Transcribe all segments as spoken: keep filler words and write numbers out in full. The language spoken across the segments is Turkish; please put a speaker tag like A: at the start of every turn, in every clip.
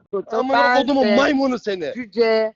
A: Amına kodumun maymunu seni.
B: Cüce.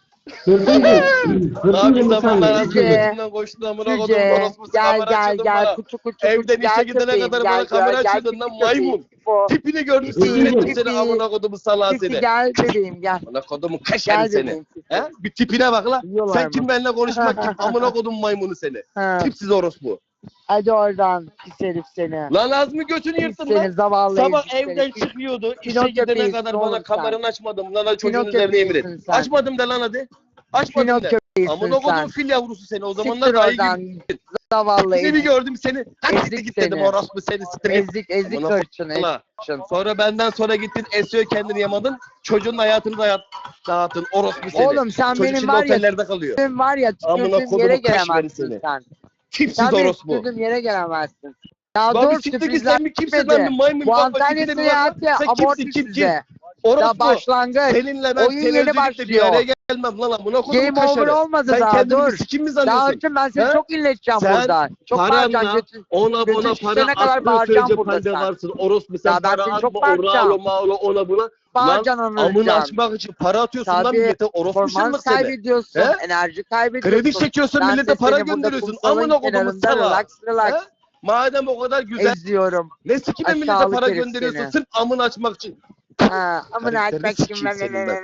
A: Daha bir zamanlar az
B: Cüce.
A: götünden koştun amına kodumun
B: Cüce.
A: orospusu
B: Gel
A: kamera
B: gel
A: açıyordun
B: gel.
A: bana.
B: Kuçu kuçu
A: Evden
B: kuçu.
A: işe
B: Gel
A: gidene
B: köpeğim,
A: kadar
B: gel,
A: bana kamera
B: gel,
A: açıyordun
B: gel,
A: lan
B: pisi
A: maymun.
B: köpeğim. O.
A: Tipini gördüm
B: Pisi,
A: sinirlettim
B: pisi.
A: seni amına kodumun salağı
B: Pisi
A: seni.
B: gel bebeğim gel.
A: Amına kodumun kaşarı
B: Gel
A: seni.
B: bebeğim pisi.
A: He? Bir tipine bak la.
B: Yiyorlar
A: Sen
B: mı?
A: kim benimle konuşmak kim? Amına kodumun maymunu seni.
B: Ha.
A: Tipsiz orospu.
B: Hadi oradan pis herif seni.
A: Lan az mı götünü
B: Pis
A: yırttın
B: seni
A: lan?
B: zavallı
A: Sabah
B: ezik seni.
A: evden
B: Pis.
A: çıkıyordu. İşe
B: Pinokyo
A: gidene
B: değilsin
A: kadar
B: oğlum
A: bana
B: sen.
A: kameranı açmadım. Lan çocuğun
B: Pinokyo
A: üzerine yemin et.
B: değilsin sen.
A: Açmadım de lan hadi. Açmadım de.
B: Pinokyo değilsin
A: Amına
B: sen.
A: kodum fil yavrusu seni. O zamanlar
B: Siktir
A: ayı
B: oradan.
A: gibi.
B: Zavallı
A: Seni
B: ezik.
A: gördüm seni. Hadi
B: Ezik
A: git dedim
B: seni.
A: orospu seni siktir git.
B: Ezik ezik
A: Amına
B: hırçın
A: kodum.
B: hırçın.
A: Sonra benden sonra gittin S E O kendini yamadın. Çocuğun hayatını da dağıttın orospu seni.
B: Oğlum sen
A: Çocuk
B: benim
A: şimdi
B: var ya
A: otellerde kalıyor.
B: tüm var ya
A: Amına
B: tükürdüğüm
A: kodumu
B: yere
A: kaş verin
B: gelemezsin
A: seni.
B: sen.
A: Tipsiz
B: Sen benim
A: orospu.
B: tükürdüğüm yere gelemezsin. Ya
A: Lan bir
B: dur
A: siktir git
B: sürprizler
A: sen mi kimsin
B: bitmedi.
A: ben bir maymun
B: Bu
A: kafa
B: Antalya
A: tipine bir bak lan.
B: seyahati
A: Sen
B: amorti
A: kimsin kim kim?
B: size.
A: Orospu.
B: Daha başlangıç.
A: Seninle ben
B: Oyun yeni
A: tenezzülükle bir araya
B: başlıyor.
A: gelmem lan amına kodum
B: Game over
A: kaşarı.
B: olmadı
A: Sen
B: daha
A: kendini
B: dur.
A: bir sikim mi
B: Daha
A: zannediyorsun?
B: önce ben seni
A: He?
B: çok inleteceğim
A: Sen
B: burada. Çok bağıracağım.
A: Paranla
B: Götün,
A: ona
B: götün
A: buna
B: şişene
A: para
B: kadar
A: attığın
B: bağıracağım
A: sürece
B: burada
A: halde
B: sen.
A: varsın. Orospu sen
B: Ya ben
A: para
B: seni çok
A: atma oralo
B: bağıracağım.
A: mağlo ona buna. Lan
B: Bağıracaksın
A: amını
B: anlayacaksın.
A: açmak için para atıyorsun lan
B: Tabii
A: millete orospu
B: performans
A: şıllık seni.
B: kaybediyorsun.
A: He?
B: Enerji kaybediyorsun.
A: Kredi çekiyorsun
B: Ben
A: millete
B: de
A: para
B: seni burada
A: gönderiyorsun.
B: kumsalın
A: Amına kodumun
B: kenarında
A: sala.
B: relax relax
A: He? Madem o kadar güzel
B: eziyorum.
A: ne sikime millete
B: Aşağılık
A: para
B: herif
A: gönderiyorsun
B: seni.
A: sırf amını açmak için.
B: Ha, amına
A: Karakterini
B: açmak için.
A: sikeyim senin ben.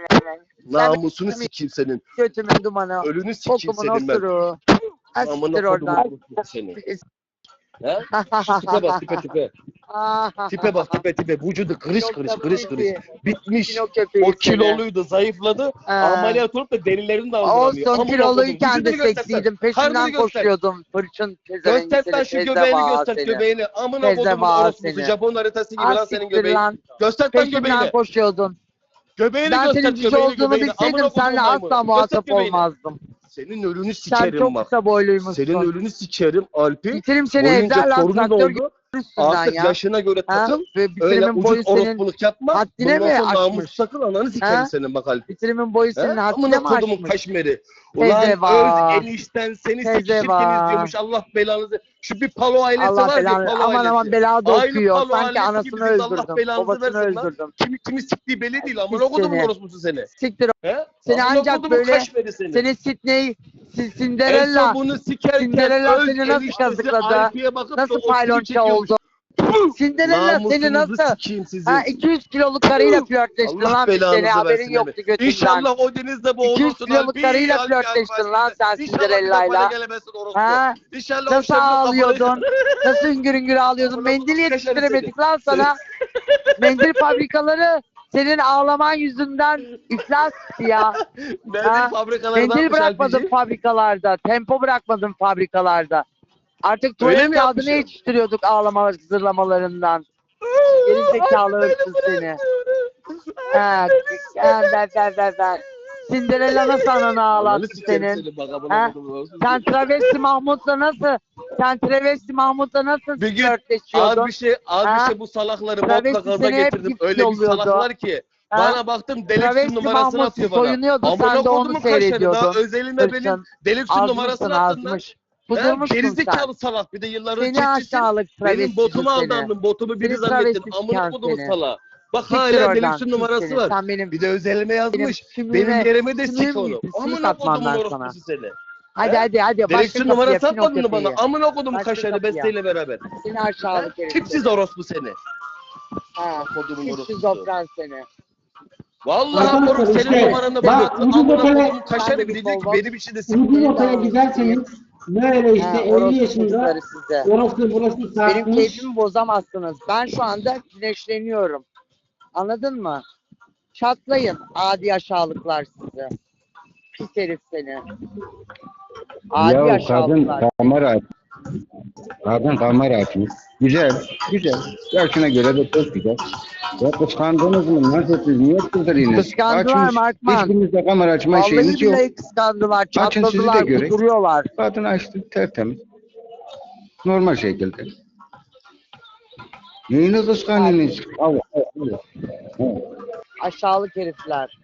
B: Sen
A: Namusunu
B: benim
A: sikeyim senin.
B: götümün dumanı.
A: Ölünü sikeyim
B: Kokumun
A: senin ben.
B: osuru. Ha siktir
A: Amına kodumun
B: oradan.
A: orospu seni. He? Şu tipe bak tipe tipe. Tipe bak tipe tipe. Vücudu kırış kırış kırış kırış. Bitmiş. O kiloluydu, zayıfladı. Ameliyat olup da derilerini de aldıramıyor.
B: Olsun
A: Amına
B: kiloluyken
A: kodum.
B: de
A: Vücudunu göstersen.
B: seksiydim.
A: Karnını
B: Peşinden
A: göster.
B: koşuyordum. Fırçın pezevenk
A: Göster lan
B: seni.
A: şu göbeğini
B: Tezeva
A: göster
B: seni.
A: göbeğini. Amına kodumun
B: Tezeva
A: orospusu.
B: seni.
A: Japon haritası gibi
B: Ha
A: lan senin
B: siktir
A: göbeğin.
B: lan.
A: Göster lan
B: Peşimden
A: göbeğini.
B: koşuyordun.
A: Göbeğini
B: Ben
A: göster
B: senin cüce
A: göbeğini
B: olduğunu
A: göbeğini.
B: bilseydim
A: Amına kodumun
B: seninle
A: maymunu.
B: asla
A: Göster
B: muhatap
A: göbeğini.
B: olmazdım.
A: Senin ölünü
B: Sen
A: sikerim
B: çok
A: bak.
B: kısa boyluymuşsun.
A: Senin ölünü sikerim Alp'i.
B: Bitirim seni
A: Boyunca
B: evden lan
A: torunun
B: traktör
A: oldu.
B: üstünden
A: Artık
B: ya.
A: yaşına göre
B: Ha?
A: takıl.
B: Ve
A: Öyle
B: bitirimin boyu
A: ucuz
B: senin
A: orospuluk yapma.
B: haddine
A: Bundan
B: mi
A: sonra namus
B: aşmış?
A: sakın ananı sikerim
B: Ha?
A: senin bak Alp'i.
B: Bitirimin boyu senin
A: He?
B: haddine
A: Amına
B: mi
A: kodumun
B: aşmış?
A: kaşmeri. Ulan
B: Tezeva.
A: öz enişten seni
B: Tezeva.
A: sekişirken izliyormuş Allah belanızı. Şu bir palo ailesi
B: Allah
A: var ya
B: belanı.
A: palo
B: Aman
A: ailesi.
B: aman belada
A: Aynı
B: okuyor.
A: palo
B: Sanki
A: ailesi
B: anasını
A: gibiyiz, Allah
B: öldürdüm.
A: belanızı
B: Babasını
A: versin lan.
B: öldürdüm.
A: Kimi kimi siktiği belli değil. Amına
B: Pis
A: kodumun
B: seni.
A: orospusu seni.
B: Siktir.
A: He?
B: Seni
A: Amına
B: ancak
A: kodumun
B: böyle
A: kaşmeri seni.
B: seni Sidney, Si-
A: En
B: Cinderella,
A: son bunu sikerken
B: Cinderella
A: öz
B: seni nasıl
A: eniştesi
B: kazıkladı?
A: Alpi'ye bakıp da
B: Nasıl
A: o seni
B: paylonça
A: çekiyormuş.
B: oldu? Cinderella seni
A: Namusunuzu
B: nasıl?
A: sikeyim sizin.
B: Ha iki yüz kiloluk karıyla flörtleştin
A: Allah
B: lan bir
A: belanızı
B: sene haberin
A: versin
B: yoktu götünden.
A: İnşallah o denizde
B: iki yüz
A: boğulursun
B: kiloluk
A: Alpi.
B: karıyla
A: Alpi,
B: flörtleştin
A: Alpi,
B: lan
A: Alpi.
B: sen
A: İnşallah bir daha
B: Cinderella'yla.
A: bana gelemezsin orospu.
B: Ha?
A: İnşallah o
B: Nasıl
A: şerefin
B: ağlıyordun? Nasıl hüngür hüngür ağlıyordun?
A: Amına
B: Mendil
A: koyayım,
B: yetiştiremedik lan sana. Mendil fabrikaları senin ağlaman yüzünden iflas etti ya.
A: Mendil
B: Ha?
A: fabrikalardan
B: Mendil bırakmadın fabrikalarda. Tempo bırakmadın fabrikalarda. Artık
A: Öyle
B: tuvalet
A: mi
B: kağıdını
A: yapmışım?
B: yetiştiriyorduk ağlama zırlamalarından. Geri zekalı hırsız seni. Ha, ben ben ben ben. Cinderella nasıl ananı ağlattı senin? Ha? Sen travesti Mahmut'la nasıl? Sen travesti Mahmut'la nasıl
A: Bir gün
B: flörtleşiyordun?
A: az bir şey az
B: Ha?
A: bir şey bu salakları
B: Travesti
A: botla gaza
B: seni hep
A: getirdim.
B: gift
A: Öyle bir
B: yolluyordu.
A: salaklar ki.
B: Ha?
A: Bana baktım Deluxe'un
B: Travesti
A: numarasını
B: Mahmut
A: atıyor bana.
B: soyunuyordu, sen de onu
A: kodumun kaşarı,
B: seyrediyordun.
A: Daha özelinde benim
B: Hırsın.
A: Deluxe'un
B: Azmışsın
A: numarasını attın lan.
B: azmış.
A: He?
B: Kudurmuşsun sen.
A: Gerizekalı salak bir de yılların
B: Seni
A: çiftçisi.
B: aşağılık
A: Benim
B: travesti
A: botumu
B: seni.
A: aldandın. Botumu biri
B: Seni
A: zannettin.
B: travesti
A: Amına
B: siken
A: kodumu
B: seni.
A: salağı. Bak
B: Siktir
A: hala
B: oradan,
A: Deluxe'un
B: pis
A: numarası
B: seni.
A: var.
B: Sen benim,
A: Bir de özelime yazmış.
B: benim
A: Benim
B: sümüğüme-
A: yerime de sik
B: sümüğüm
A: onu.
B: gitti, simit
A: Amına
B: atmam
A: kodumun
B: ben
A: orospusu seni.
B: Hadi
A: He?
B: hadi hadi. Başka
A: Deluxe'un
B: kapıya
A: numarası
B: Pinokyo
A: atmadın mı bana?
B: kapıyı.
A: Amına kodum
B: Başka
A: kaşarı
B: kapıya.
A: besteyle beraber.
B: Seni aşağılık herif.
A: Tipsiz orospu seni.
B: Ha,
A: Kodumun
B: pis
A: orospusu.
B: şizofren seni.
A: Vallahi
C: Arkadaşlar
A: moruk senin
C: işte,
A: numaranı
C: bak,
A: bana attı.
C: ucuz
A: Amına
C: otele-
A: kodumun kaşarı
B: Ben de bir
A: diyecek ki
B: bol-
A: benim için de sik.
C: Ucuz otele giderseniz böyle işte
B: Ha,
C: elli
B: orospu
C: yaşında
B: çocukları size.
C: orası burası
B: Benim
C: sarkmış.
B: keyfimi bozamazsınız. Ben şu anda güneşleniyorum. Anladın mı? Çatlayın adi aşağılıklar size. Pis herif seni. Adi
D: Ya kadın
B: aşağılıklar.
D: kamera aç. Kadın kamera açmış. Güzel, güzel. Yaşına göre de çok güzel. Ya kıskandınız mı? Nasıl siz? Niye kızdırıyorsunuz?
B: Kıskandılar Markman.
D: Hiçbirinizde kamera açma şeyiniz
B: Vallahi
D: yok.
B: billahi kıskandılar.
D: Açın sizi de
B: Çatladılar.
D: göreyim.
B: Kuduruyorlar.
D: Kadın açtı tertemiz. Normal şekilde. Neyini kıskanıyorsunuz? Allah Allah. Allah.
B: Aşağılık herifler.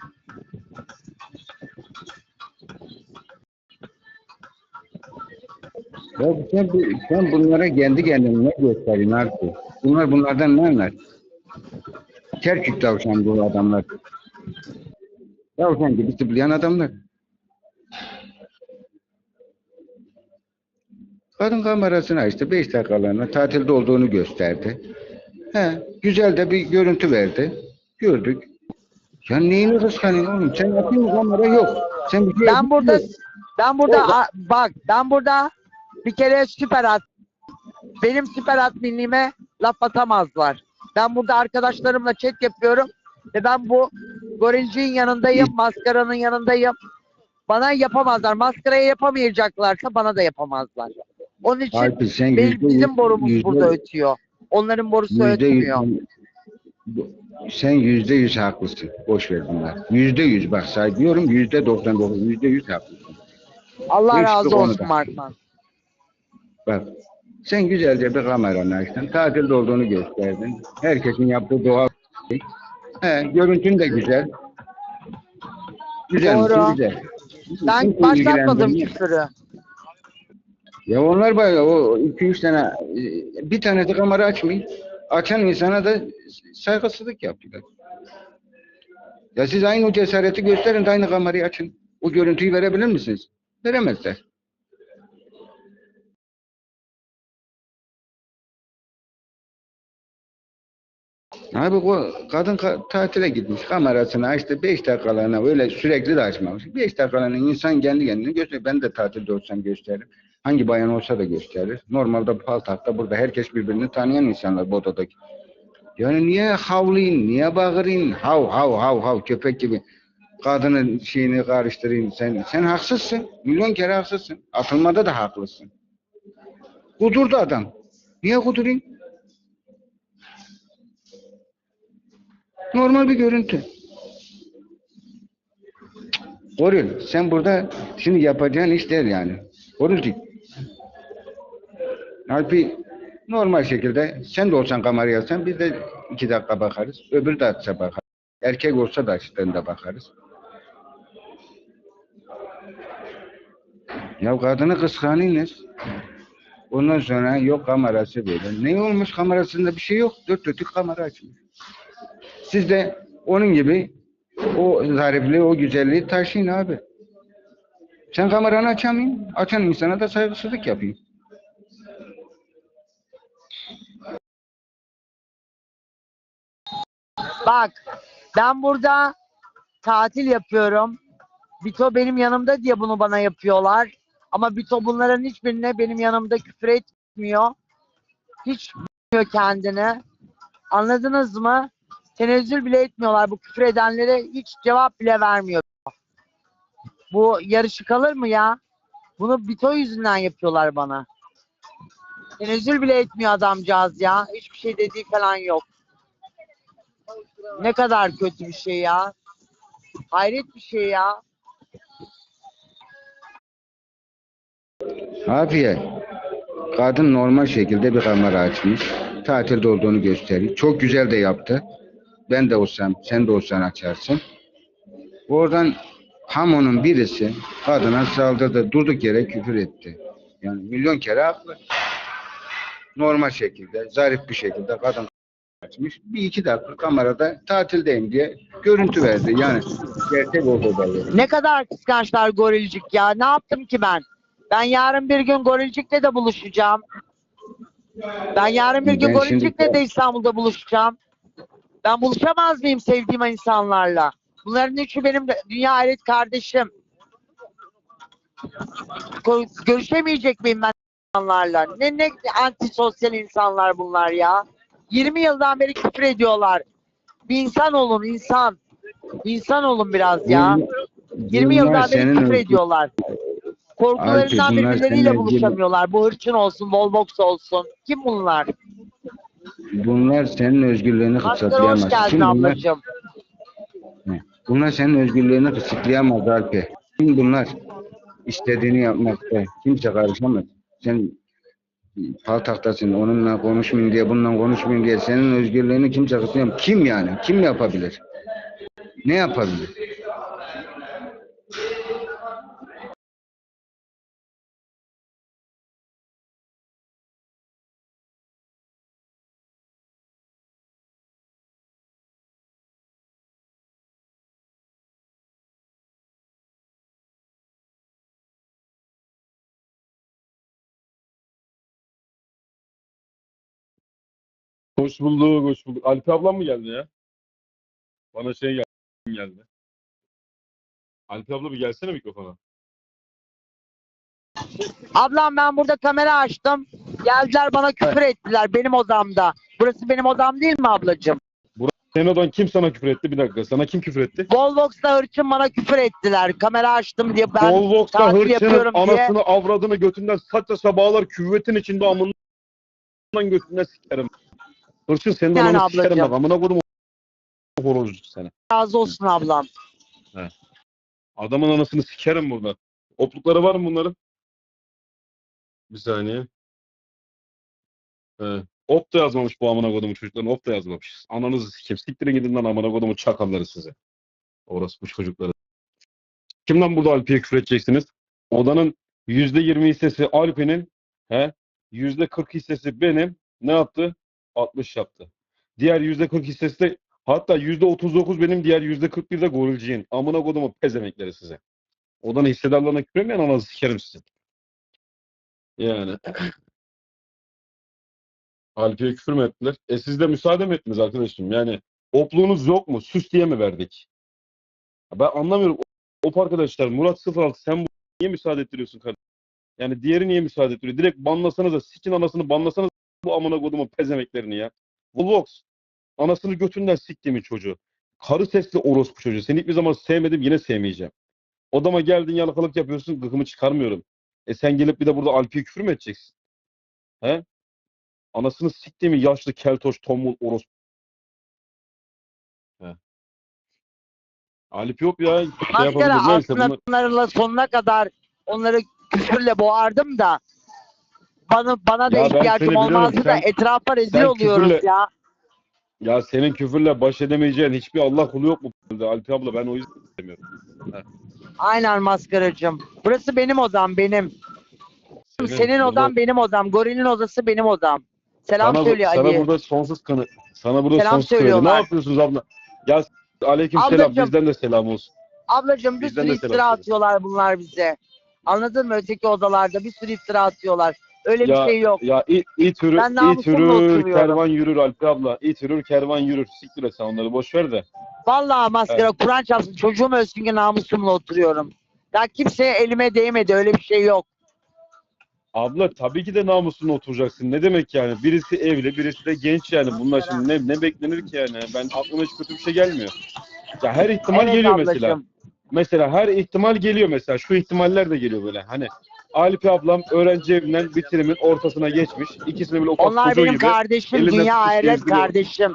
D: Ya sen, bu- sen bunlara kendi kendine ne gösteriyorsun artık? Bunlar bunlardan ne anlar? Kerkük tavşan bu adamlar. Tavşan gibi zıplayan adamlar. Kadın kamerasını açtı. Beş dakikalığına tatilde olduğunu gösterdi. He, güzel de bir görüntü verdi. Gördük. Ya neyini kıskanıyorsun oğlum? Sen yapayım mı kamera? Yok. Sen bir şey
B: Ben burada
D: yapıyorsun.
B: ben burada
D: Orada-
B: a- bak ben burada bir kere süper at benim süper adminliğime laf atamazlar. Ben burada arkadaşlarımla chat yapıyorum ve ben bu gorilciğin yanındayım, maskaranın yanındayım. Bana yapamazlar. Maskaraya yapamayacaklarsa bana da yapamazlar. Onun için
D: Alp'i sen
B: benim,
D: yüzde
B: bizim
D: yüz-
B: borumuz
D: yüzde-
B: burada ötüyor. Onların borusu
D: yüzde yüz-
B: ötmüyor.
D: Sen yüzde yüz haklısın. Boş ver bunlar. Yüzde yüz bak say diyorum yüzde doksan dokuz, yüzde yüz haklısın.
B: Allah
D: Hiçbir
B: razı
D: konuda.
B: olsun Markman.
D: Bak sen güzelce bir kameranı açtın. Tatilde olduğunu gösterdin. Herkesin yaptığı doğal şey. He, görüntün de güzel. Güzel
B: Doğru.
D: misin? Güzel.
B: Ben
D: Kimse
B: başlatmadım
D: ilgilendirmiyor.
B: küfürü.
D: Ya onlar bayağı o iki üç tane e, bir tane de kamera açmayın. Açan insana da saygısızlık yaptılar. Ya siz aynı o cesareti gösterin de aynı kamerayı açın. O görüntüyü verebilir misiniz? Veremezler. Abi o kadın ka- tatile gitmiş. Kamerasını açtı. Beş dakikalığına öyle sürekli de açmamış. Beş dakikalığına insan kendi kendine gösteriyor. Ben de tatilde olsam gösteririm. Hangi bayan olsa da gösterir. Normalde Paltak'ta burada herkes birbirini tanıyan insanlar bu odadaki. Yani niye havlayın, niye bağırın, hav hav hav hav köpek gibi kadının şeyini karıştırayım sen. Sen haksızsın. Milyon kere haksızsın. Atılmada da haklısın. Kudurdu adam. Niye kudurayım? Normal bir görüntü. Goril, sen burada şimdi yapacağın iş değil yani. Gorilcik. Halbuki normal şekilde sen de olsan kamerayı alsan biz de iki dakika bakarız. Öbürü de açsa bakarız. Erkek olsa da açtığında bakarız. Ya kadını kıskanıyorsunuz. Ondan sonra yok kamerası böyle. Ne olmuş kamerasında bir şey yok. Dört dörtlük kamera açmış. Siz de onun gibi o zarifliği, o güzelliği taşıyın abi. Sen kameranı açamayın. Açan insana da saygısızlık yapayım.
B: Bak ben burada tatil yapıyorum. Bito benim yanımda diye bunu bana yapıyorlar. Ama Bito bunların hiçbirine benim yanımda küfür etmiyor. Hiç bilmiyor kendini. Anladınız mı? Tenezzül bile etmiyorlar. Bu küfür edenlere hiç cevap bile vermiyor. Bu yarışı kalır mı ya? Bunu Bito yüzünden yapıyorlar bana. Tenezzül bile etmiyor adamcağız ya. Hiçbir şey dediği falan yok. Ne kadar kötü bir şey ya. Hayret bir şey ya.
D: Afiye, kadın normal şekilde bir kamera açmış. Tatilde olduğunu gösteriyor. Çok güzel de yaptı. Ben de olsam, sen de olsan açarsın. Oradan hamonun birisi kadına saldırdı. Durduk yere küfür etti. Yani milyon kere haklı. Normal şekilde, zarif bir şekilde kadın açmış. Bir iki dakika kamerada tatildeyim diye görüntü verdi. Yani gerçek oldu da.
B: Ne kadar kıskançlar gorilcik ya. Ne yaptım ki ben? Ben yarın bir gün gorilcikle de buluşacağım. Ben yarın bir gün
D: Ben şimdi-
B: gorilcikle de İstanbul'da buluşacağım. Ben buluşamaz mıyım sevdiğim insanlarla? Bunların üçü benim de- dünya hayret kardeşim. Ko- Görüşemeyecek miyim ben insanlarla? Ne ne antisosyal insanlar bunlar ya. yirmi yıldan beri küfür ediyorlar. Bir insan olun insan. İnsan olun biraz ya. yirmi
D: Bunlar
B: yıldan beri
D: senin
B: küfür
D: özgür-
B: ediyorlar. Korkularından
D: Alp, bunlar
B: birbirleriyle
D: senin
B: buluşamıyorlar. Bu hırçın olsun, Volvox olsun. Kim bunlar?
D: Bunlar senin özgürlüğünü
B: Maskara hoş
D: kısıtlayamaz.
B: geldin
D: Kim bunlar?
B: ablacığım.
D: Bunlar senin özgürlüğünü kısıtlayamaz Alp. Kim bunlar? İstediğini yapmakta. Kimse karışamaz. Sen paltaktasın. Onunla konuşmayayım diye, bununla konuşmayayım diye senin özgürlüğünü kimse kısıtlayamaz. Kim yani? Kim yapabilir? Ne yapabilir?
E: Hoş bulduk, hoş bulduk. Alpi ablam mı geldi ya? Bana şey geldi. geldi. Alpi abla bir gelsene mikrofona.
B: Ablam ben burada kamera açtım. Geldiler bana küfür ettiler benim odamda. Burası benim odam değil mi ablacığım?
E: Senin odan kim sana küfür etti? Bir dakika. Sana kim küfür etti?
B: Volvox'la hırçın bana küfür ettiler. Kamera açtım diye ben
E: Volvox'ta
B: takip
E: hırçının
B: yapıyorum diye.
E: anasını avradını götünden saç saça bağlar küvetin içinde amından götünden sikerim. Hırçın senin
B: Yani
E: ananı sikerim
B: ablacığım.
E: bak. Amına kodum horozcu seni.
B: Razı olsun ablam.
E: Adamın anasını sikerim burada. Oplukları var mı bunların? Bir saniye. He. Op da yazmamış bu amına kodumun çocuklarını. Op da yazmamış. Ananızı sikeyim. Siktirin gidin lan amına kodumun çakalları size. Orası bu çocukları. Kimden burada Alpi'ye küfür edeceksiniz? Odanın yüzde yirmi hissesi Alpi'nin, he? yüzde kırk hissesi benim. Ne yaptı? altmış yaptı. Diğer yüzde kırk hissesi de hatta yüzde otuz dokuz benim, diğer yüzde kırk bir de gorilciğin. Amına kodumun pezemekleri size. Odanın hissedarlarına küfür etmeyen ananızı sikerim sizin. Yani. Alpi'ye küfür mü ettiler? E siz de müsaade mi ettiniz arkadaşım? Yani opluğunuz yok mu? Süs diye mi verdik? Ben anlamıyorum. Op arkadaşlar, Murat sıfır altı sen bu niye müsaade ettiriyorsun kardeşim? Yani diğeri niye müsaade ettiriyor? Direkt banlasanıza, sikin anasını banlasanız bu amına kodumun pezemeklerini ya. Volvox, anasını götünden siktiğimin çocuğu. Karı sesli orospu çocuğu. Seni hiçbir zaman sevmedim, yine sevmeyeceğim. Odama geldin yalakalık yapıyorsun, gıkımı çıkarmıyorum. E sen gelip bir de burada Alpi'ye küfür mü edeceksin? He? Anasını siktiğimin yaşlı keltoş tombul orospu. He. Alp yok ya. Şey
B: Maskara
E: yapabilir. Neyse
B: aslında
E: bunlar.
B: bunlarla sonuna kadar onları küfürle boğardım da bana bana da
E: Ya ben
B: ihtiyacım
E: seni biliyorum.
B: olmazdı da
E: Sen-
B: etrafa rezil
E: sen
B: oluyoruz
E: küfürle-
B: ya.
E: Ya senin küfürle baş edemeyeceğin hiçbir Allah kulu yok mu? Alp abla ben o yüzden istemiyorum.
B: Aynen maskaracığım. Burası benim odam benim. Senin
E: burada-
B: odan benim odam. Goril'in odası benim odam. Selam
E: sana,
B: söylüyor
E: sana
B: Ali.
E: burada sonsuz kanı. Sana burada
B: Selam
E: sonsuz kanı. Ne
B: söylüyorlar.
E: yapıyorsunuz abla? Ya aleyküm selam.
B: Ablacığım.
E: Bizden de selam olsun.
B: Ablacığım bir
E: Bizden
B: sürü
E: de selam
B: iftira
E: söyle.
B: atıyorlar bunlar bize. Anladın mı? Öteki odalarda bir sürü iftira atıyorlar. Öyle
E: Ya,
B: bir şey yok.
E: ya it, it yürür,
B: Ben
E: it
B: namusumla
E: yürür,
B: oturuyorum.
E: kervan yürür Alp abla. İt yürür, kervan yürür. Siktir et sen onları boş ver de.
B: Vallahi maskara Kur'an çarpsın. Çocuğum ölsün ki namusumla oturuyorum. Ya kimseye elime değmedi. Öyle bir şey yok.
E: Abla tabii ki de namusuna oturacaksın. Ne demek yani? Birisi evli, birisi de genç yani. Bunlar şimdi ne, ne beklenir ki yani? Ben aklıma hiç kötü bir şey gelmiyor. Ya her ihtimal
B: Evet
E: geliyor
B: ablacığım.
E: mesela. Mesela her ihtimal geliyor mesela. Şu ihtimaller de geliyor böyle. Hani Alp ablam öğrenci evinden bitirimin ortasına geçmiş. İkisini böyle ufak
B: Onlar
E: çocuğu
B: benim
E: gibi.
B: kardeşim.
E: elinden
B: Dünya
E: tutmuş
B: ahiret
E: gezdiriyor.
B: kardeşim.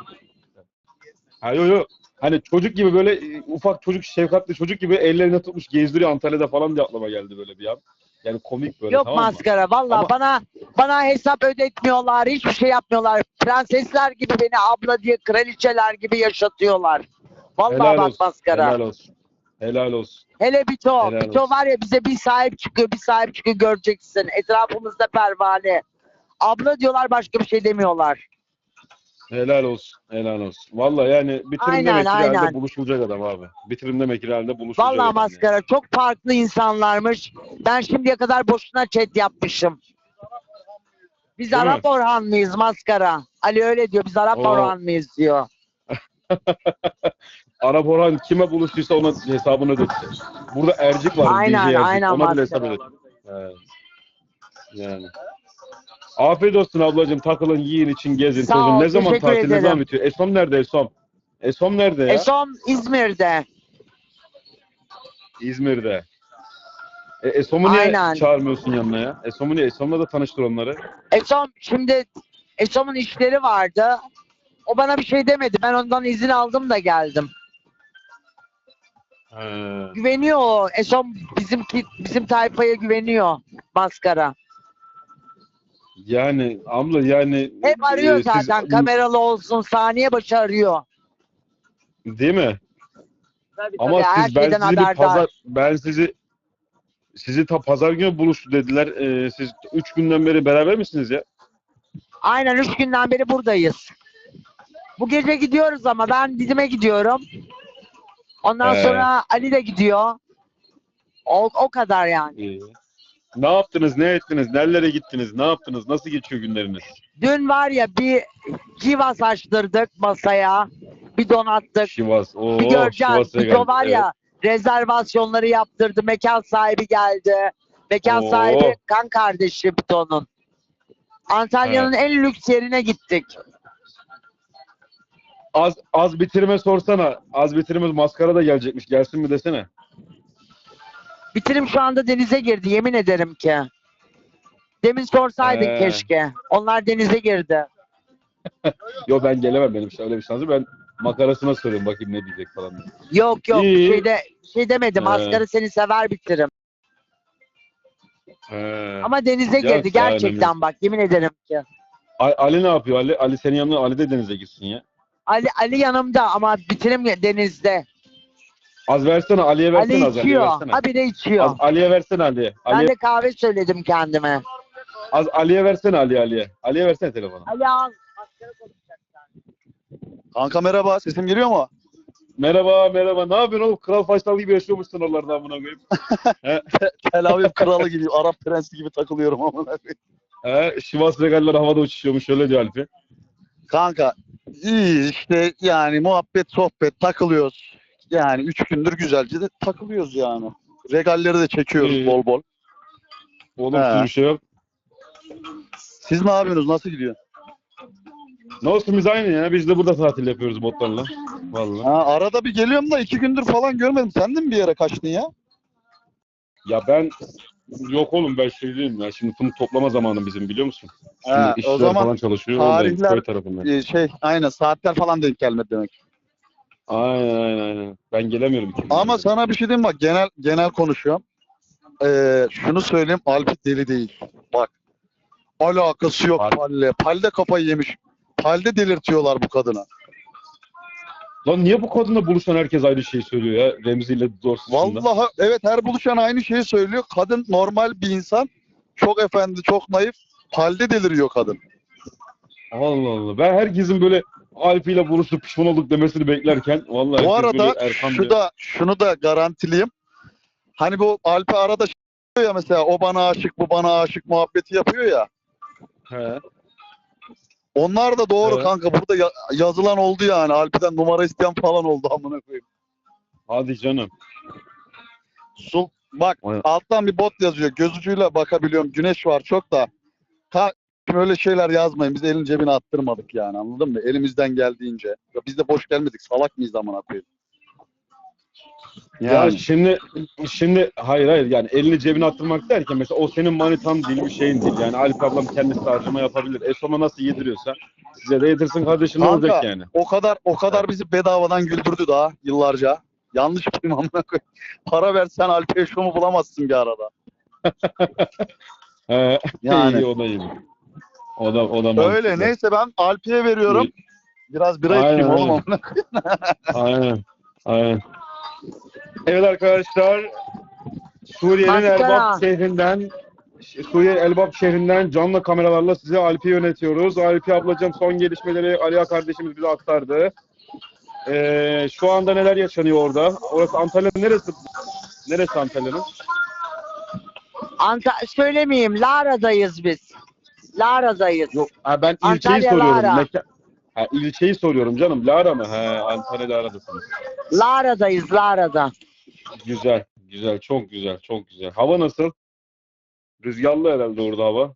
E: Ha yo yo. Hani çocuk gibi böyle e, ufak çocuk, şefkatli çocuk gibi ellerine tutmuş gezdiriyor Antalya'da falan diye aklıma geldi böyle bir an. Yani komik böyle,
B: Yok
E: tamam mı?
B: maskara. Vallahi
E: Ama-
B: bana bana hesap ödetmiyorlar. Hiçbir şey yapmıyorlar. Prensesler gibi beni abla diye kraliçeler gibi yaşatıyorlar. Vallahi
E: Helal
B: bak
E: olsun.
B: maskara.
E: Helal olsun. Helal olsun.
B: Hele Bito.
E: Helal
B: Bito
E: olsun.
B: var ya bize bir sahip çıkıyor, bir sahip çıkıyor göreceksin. Etrafımızda pervane. Abla diyorlar başka bir şey demiyorlar.
E: Helal olsun. Helal olsun. Vallahi yani bitirim
B: Aynen,
E: demek ki
B: aynen.
E: herhalde buluşulacak adam abi. Bitirim demek ki herhalde buluşulacak
B: Vallahi
E: adam
B: maskara çok farklı insanlarmış. Ben şimdiye kadar boşuna chat yapmışım. Biz
E: Değil mi?
B: Arap Orhanlıyız maskara. Ali öyle diyor. Biz Arap
E: Oo.
B: Orhanlıyız diyor.
E: Arap Orhan kime buluştuysa ona hesabını ödetecek. Burada Ercik var.
B: Aynen,
E: D J Ercik.
B: aynen
E: Ona bile
B: maskara.
E: hesap ödetecek. Evet. Yani. Afiyet olsun ablacığım. Takılın, yiyin, için gezin,
B: Sağ
E: tozun.
B: ol,
E: Ne zaman
B: teşekkür
E: tatil, ne zaman
B: ederim.
E: bitiyor? Esom nerede Esom? Esom nerede ya?
B: Esom İzmir'de.
E: İzmir'de. E, Esom'u niye
B: Aynen.
E: çağırmıyorsun yanına ya? Esom'u niye? Esom'la da tanıştır onları.
B: Esom şimdi Esom'un işleri vardı. O bana bir şey demedi. Ben ondan izin aldım da geldim.
E: He.
B: Güveniyor o. Esom bizim bizim tayfaya güveniyor maskara.
E: Yani abla yani
B: Hep arıyor
E: e, siz-
B: zaten kameralı olsun saniye başı arıyor.
E: Değil mi?
B: Tabii,
E: Ama
B: tabii, her
E: siz ben
B: şeyden
E: sizi bir
B: haberdar.
E: pazar ben sizi sizi ta pazar günü buluştu dediler. E, siz üç günden beri beraber misiniz ya?
B: Aynen üç günden beri buradayız. Bu gece gidiyoruz ama ben Didim'e gidiyorum. Ondan
E: He.
B: sonra Ali de gidiyor. O, o kadar yani.
E: İyi. Ne yaptınız, ne ettiniz, nerelere gittiniz, ne yaptınız, nasıl geçiyor günleriniz?
B: Dün var ya bir Civas açtırdık masaya. Bir donattık.
E: Şivas,
B: Bir
E: ooo
B: göreceğiz.
E: Şivas'a
B: Bir de
E: geldik.
B: var ya rezervasyonları yaptırdı. Mekan sahibi geldi. Mekan
E: Oo.
B: sahibi kan kardeşi Bito'nun. Antalya'nın en lüks yerine gittik.
E: Az, az bitirme sorsana. Az bitirme maskara da gelecekmiş. Gelsin mi desene.
B: Bitirim şu anda denize girdi. Yemin ederim ki. Demin sorsaydın
E: He.
B: keşke. Onlar denize girdi.
E: Yo ben gelemem, benim öyle bir şansı. Ben makarasına soruyorum bakayım ne diyecek falan.
B: Yok yok
E: İyi.
B: şeyde şey demedim.
E: He.
B: Asgarı seni sever bitirim.
E: He.
B: Ama denize
E: Ya,
B: girdi gerçekten
E: önemli.
B: bak yemin ederim ki.
E: A- Ali ne yapıyor? Ali, Ali senin yanına, Ali de denize gitsin ya.
B: Ali Ali yanımda ama bitirim denizde.
E: Az versene, Ali'ye versene.
B: Ali
E: az Ali'ye
B: içiyor.
E: versene.
B: Ha bir de içiyor.
E: Az Ali'ye versene Ali'ye.
B: Ben
E: Ali,
B: de kahve söyledim kendime.
E: az Ali'ye versene Ali Ali'ye. Ali'ye versene telefonu.
B: Ali al.
F: Kanka merhaba, sesim geliyor mu?
E: Merhaba merhaba. Ne yapıyorsun oğlum? Kral Faysal gibi yaşıyormuşsun oralarda amına koyayım.
F: Tel Aviv kralı gibi, Arap prensi gibi takılıyorum amına koyayım.
E: He, Şivas regaller havada uçuşuyormuş, öyle diyor Alpi.
F: Kanka iyi işte yani muhabbet, sohbet, takılıyoruz. Yani üç gündür güzelce de takılıyoruz yani. Regalleri de çekiyoruz
E: İyi.
F: bol bol.
E: Oğlum
F: He.
E: bir şey yok.
F: Siz ne yapıyorsunuz? Nasıl gidiyor?
E: Ne olsun biz aynı ya. Biz de burada tatil yapıyoruz botlarla. Vallahi.
F: Ha, arada bir geliyorum da iki gündür falan görmedim. Sen de mi bir yere kaçtın ya?
E: Ya ben yok oğlum, ben şey değilim ya. Şimdi fındık toplama zamanı bizim, biliyor musun? Şimdi
F: Ha, o
E: işçiler
F: zaman
E: falan çalışıyor. Oradayım,
F: tarihler-
E: köy tarafındayım.
F: Ee, şey aynen saatler falan denk gelmedi demek.
E: Aynen aynen aynen. Ben gelemiyorum. iki
F: Ama
E: gündür.
F: sana bir şey diyeyim bak genel genel konuşuyorum. Ee, şunu söyleyeyim Alpi deli değil. Bak alakası yok
E: Alp-
F: Palle. Palle kafayı yemiş. Palle delirtiyorlar bu kadına.
E: Lan niye bu kadınla buluşan herkes aynı şeyi söylüyor ya? Remzi ile Dorsuz dışında.
F: Vallahi evet her buluşan aynı şeyi söylüyor. Kadın normal bir insan. Çok efendi, çok naif. Palle deliriyor kadın.
E: Allah Allah. Ben herkesin böyle Alpi ile buluşup pişman olduk demesini beklerken vallahi
F: Bu
E: herkes
F: arada
E: böyle Erkan
F: şu
E: diyor.
F: da şunu da garantileyim. Hani bu Alpi arada şey yapıyor ya mesela o bana aşık, bu bana aşık muhabbeti yapıyor ya.
E: He.
F: Onlar da doğru
E: Evet.
F: kanka. Burada ya- yazılan oldu yani. Alpi'den numara isteyen falan oldu amına koyayım.
E: Hadi canım.
F: Sul bak
E: Aynen.
F: alttan bir bot yazıyor. Göz ucuyla bakabiliyorum. Güneş var çok da. Ha öyle şeyler yazmayın. Biz elin cebine attırmadık yani. Anladın mı? Elimizden geldiğince. Ya biz de boş gelmedik. Salak mıyız amına koyayım?
E: Ya
F: Yani.
E: şimdi şimdi hayır hayır yani elini cebine attırmak derken mesela o senin manitan değil, bir şeyin değil. Yani Alp ablam kendisi harcama yapabilir. Esoma nasıl yediriyorsa size de yedirsin kardeşim, ne
F: Kanka,
E: olacak yani?
F: O kadar o kadar bizi bedavadan güldürdü daha yıllarca. Yanlış mıyım amına koyayım? Para versen Alp'e şomu bulamazsın bir arada.
E: He,
F: Yani.
E: iyi, o da iyi. O da o da mantıklı.
F: Öyle neyse ben Alp'e veriyorum. Biraz bira
E: Aynen,
F: içeyim oğlum
E: aynen.
F: amına koyayım.
E: Aynen. Aynen. Evet arkadaşlar, Suriye'nin
B: Maskara.
E: Elbap şehrinden Suriye Elbap şehrinden canlı kameralarla size Alp'i yönetiyoruz. Alp'i ablacığım son gelişmeleri Aliya kardeşimiz bize aktardı. Ee, şu anda neler yaşanıyor orada? Orası Antalya'nın neresi? Neresi Antalya'nın?
B: Anta söylemeyeyim. Lara'dayız biz. Lara'dayız.
E: Yok, ha, ben ilçeyi
B: Antalya,
E: soruyorum.
B: Lara.
E: Meka- Ha, ilçeyi soruyorum canım. Lara mı? He, Antalya Lara'dasınız.
B: Lara'dayız Lara'da.
E: Güzel, güzel, çok güzel, çok güzel. Hava nasıl? Rüzgarlı herhalde orada hava.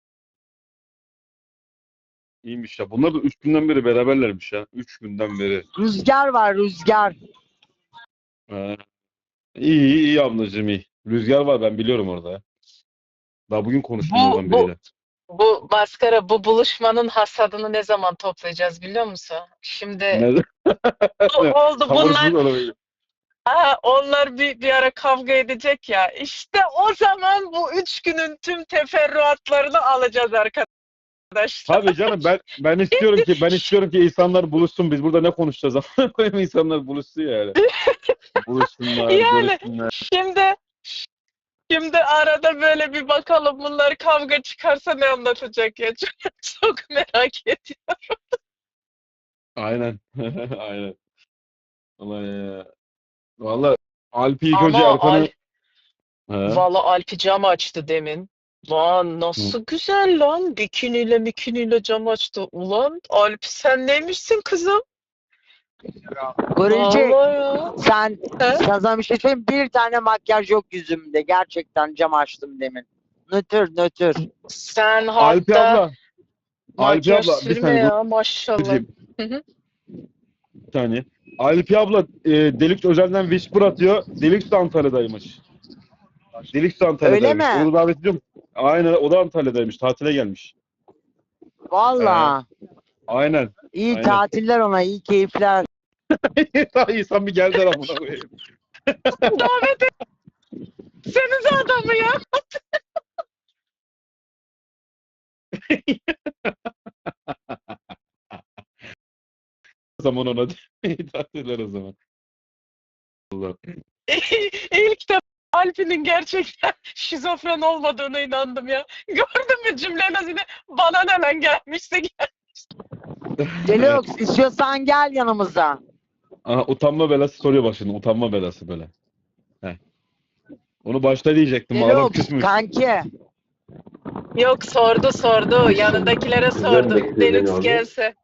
E: İyiymiş ya. Bunlar da üç günden beri beraberlermiş ya. Üç günden beri.
B: Rüzgar var rüzgar.
E: He. İyi, iyi, iyi ablacığım iyi. Rüzgar var, ben biliyorum orada ya. Daha bugün konuştum
G: Bu-
E: oradan
G: bu-
E: biriyle.
G: Bu maskara, bu buluşmanın hasadını ne zaman toplayacağız biliyor musun? Şimdi
E: Ne?
G: o- oldu bunlar,
E: Sabırsız olabilir.
G: ha, onlar bir, bir ara kavga edecek ya. İşte o zaman bu üç günün tüm teferruatlarını alacağız arkadaşlar.
E: Tabii canım, ben ben istiyorum ki ben istiyorum ki insanlar buluşsun. Biz burada ne konuşacağız? Amına koyayım, insanlar buluşsun yani. Buluşsunlar,
G: Yani.
E: görüşsünler.
G: Şimdi şimdi arada böyle bir bakalım bunlar kavga çıkarsa ne anlatacak ya. Çok, çok merak ediyorum.
E: Aynen. Aynen. Vallahi ya. Vallahi Alp'i ilk
G: Ama
E: önce Erkan'ı
G: Alp-
E: He.
G: Valla Alpi cam açtı demin. Lan nasıl güzel lan. Bikiniyle mikiniyle cam açtı. Ulan Alpi sen neymişsin kızım?
B: Gorilcik
G: Vallahi ya.
B: sen
G: He?
B: sana bir şey söyleyeyim. Bir tane makyaj yok yüzümde. Gerçekten cam açtım demin. Nötr nötr.
G: Sen
E: Alpi
G: hatta
E: abla. Alpi
G: makyaj
E: abla bir
G: sürme
E: saniye.
G: ya maşallah.
E: Dur,
G: Hı hı.
E: bir saniye. Alpi abla e, Deluxe özelden Whisper atıyor. Deluxe de Antalya'daymış. Deluxe de Antalya'daymış.
B: Öyle mi?
E: Onu davet ediyorum. Aynen o da Antalya'daymış. Tatile gelmiş.
B: Valla.
E: Aynen.
B: İyi
E: Aynen.
B: tatiller ona, iyi keyifler.
E: İnsan bir geldi amına koyayım.
G: Davet etsenize adamı ya.
E: O zaman ona iyi tatiller o zaman. Allah.
G: İlk defa Alpi'nin gerçekten şizofren olmadığına inandım ya. Gördün mü cümlenin yine bana ne lan gelmişse gel.
B: Deluxe istiyorsan gel yanımıza.
E: Aha, utanma belası soruyor bak şimdi. Utanma belası böyle. Heh. Onu başta diyecektim. Adam
B: Deluxe
E: küsmüş.
B: kanki.
G: Yok sordu sordu. Yanındakilere sordu.
H: bekliyor beni
G: Deluxe
H: orada.
G: gelse.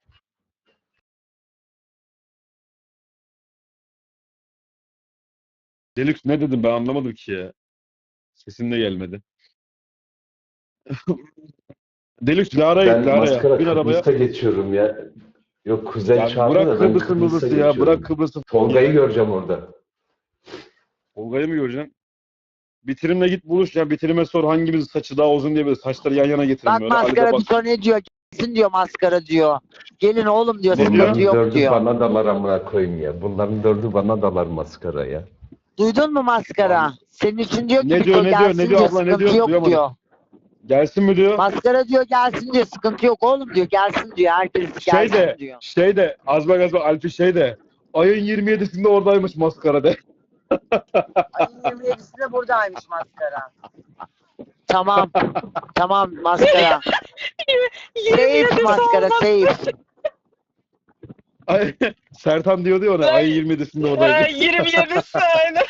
E: Deluxe ne dedim ben anlamadım ki ya. Sesin de gelmedi. Deluxe Lara'ya
H: Ben
E: git Lara'ya.
H: maskara
E: Bin arabaya.
H: Kıbrıs'a geçiyorum ya. Yok kuzen
E: Ya
H: çağırdı
E: bırak
H: da ben
E: Kıbrıs'ı
H: Kıbrıs'a
E: Kıbrıs'ı ya.
H: geçiyorum.
E: Bırak Kıbrıs'ı.
H: Tolga'yı göreceğim orada.
E: Tolga'yı mı göreceksin? Bitirimle git buluş ya. Bitirime sor hangimizin saçı daha uzun diye böyle saçları yan yana getirin
B: Bak
E: böyle. Ali de
B: maskara
E: bak.
B: bir sonra ne diyor? Gelsin diyor maskara diyor. Gelin oğlum diyor.
E: Ne
B: Sıkıntı
E: diyor?
H: Bunların
B: yok
H: dördü
B: diyor.
H: bana dalar amına koyayım ya. Bunların dördü bana dalar maskara ya.
B: Duydun mu maskara? Senin için diyor ki
E: Ne
B: bir
E: diyor,
B: o
E: ne diyor,
B: gelsin
E: ne diyor abla, ne
B: sıkıntı
E: diyor?
B: yok
E: Duyamadım.
B: diyor.
E: Gelsin mi diyor?
B: Maskara diyor gelsin diyor sıkıntı yok oğlum diyor gelsin diyor herkes
E: Şey
B: gelsin
E: de,
B: diyor.
E: şey de, az bak az bak Alpi şey de, ayın yirmi yedisinde oradaymış maskara de.
B: Ayın yirmi yedisinde buradaymış maskara. Tamam. Tamam maskara.
G: yirmi
B: Safe
G: yedisi
B: maskara
G: olmaz.
B: safe.
E: Ay, Sertan diyordu ya ona, ayın yirmi yedisinde
G: Ha,
E: oradaymış.
G: yirmi yedisi aynen.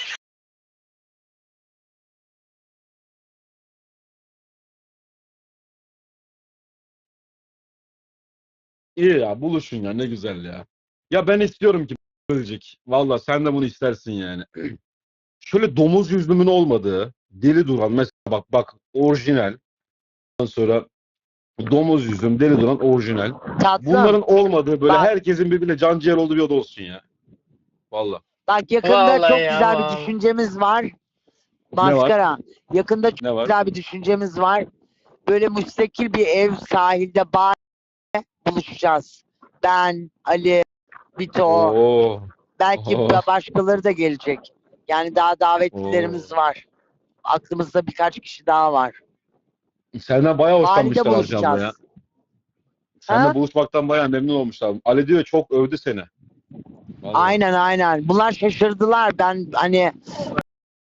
E: İyi ya, buluşun ya, ne güzel ya. Ya ben istiyorum ki Bölcek. Valla sen de bunu istersin yani. Şöyle domuz yüzlümün olmadığı, deli duran mesela bak bak orijinal. Ondan sonra domuz yüzüm, deli duran orijinal.
B: Tatlım.
E: Bunların olmadığı böyle
B: Bak.
E: herkesin birbirine can ciğer olduğu bir oda olsun ya. Valla.
B: Bak yakında
G: Vallahi
B: çok
G: ya,
B: güzel
G: vallahi.
B: bir düşüncemiz var. Maskara. Yakında çok
E: Ne var?
B: güzel bir düşüncemiz var. Böyle müstakil bir ev sahilde bar buluşacağız. Ben, Ali, Bito,
E: Oo.
B: belki
E: Oo.
B: da başkaları da gelecek. Yani daha davetlilerimiz var. Aklımızda birkaç kişi daha var.
E: Senden bayağı
B: Sahilde
E: hoşlanmışlar Arcan'la ya.
B: buluşacağız.
E: Seninle
B: Ha?
E: buluşmaktan bayağı memnun olmuşlar. Ali diyor çok övdü seni. Vallahi.
B: Aynen aynen. Bunlar şaşırdılar. Ben hani